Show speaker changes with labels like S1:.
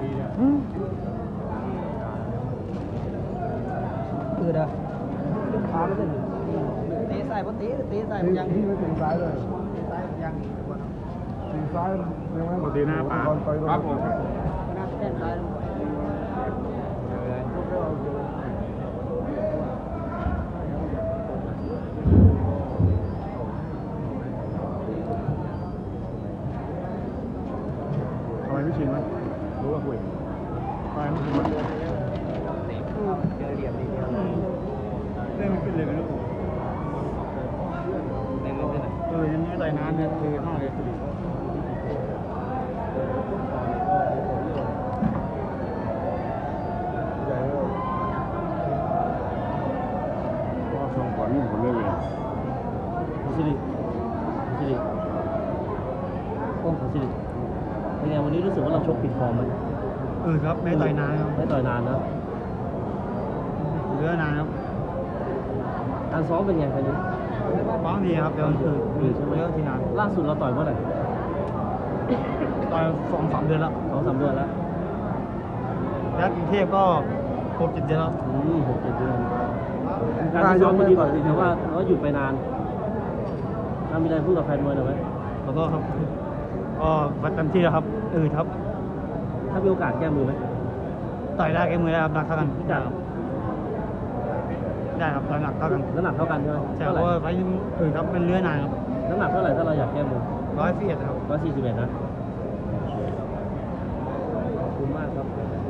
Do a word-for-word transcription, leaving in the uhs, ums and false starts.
S1: คือเด้อขาไม่ได้ตีใส่ปตีตีใส่ยังตีไม่ตีซ้ายเลยตีซ้ายยังตีซ้ายยังไม่ตีหน้าป่าครับผมหน้าแข้งซ้าย
S2: ทำไมไม่ชินไหมรู้ว่าคุยทำไมไม่ชินไหม
S1: เจอเหลี่ยมดีเดียว
S2: เล่นไม่ขึ้นเลยไม่รู้
S1: เล่นไม่ขึ้น
S2: เออยังไม่ได้นานเนี่ยคือห้องเลยก็ส่งผลผลเลย
S3: สิริสิริโอ้สิริเป็นไงวันนี้รู้สึกว่าเราชกผิดฟอร์มไหม
S2: เออครับไม่ต่อยนานครับ
S3: ไม่ต่อยนานนะ
S2: เยอะนานครับ
S3: การซ้อมเป็นไงครั้งนี้
S2: ซ้อมดีครับเดี๋ยวคือ
S3: ดีใช่ไหม
S2: เยอะที่นาน
S3: ล่าสุดเราต่อยเมื่อไหร่
S2: ต่อยสองสามเดือนแล้ว
S3: สองสามเดือนแล้ว
S2: แล้วกรุงเทพก็หกเจ็ดเดือนแล้ว
S3: อืมหกเจ็ดเดือนการซ้อมมันดีกว่าแต่ว่าเราหยุดไปนานถ้ามีอะไรพูดกับแฟนมวยหน่อยไหม
S2: แล้วก็ครับก็วัดเต็มที่แล้วครับเออครับ
S3: ถ้ามีโอกาสแก้มือไหม
S2: ต่อยได้แก้มือได้ครับหนักเท่ากัน
S3: ได้
S2: ได้ครับต่อยหนักเท่ากัน
S3: น้ำหนักเท่ากันใช่ไหม
S2: ใช่เพราะว่าไฟเออครับเป็นเลื้อนานครับ
S3: น้ำหนักเท่าไหร่ถ้าเราอยากแก้มือ
S2: ร้อยสี่สิบครับ
S3: ร้อยสี่สิบเอ็ดนะขอบคุณมากครับ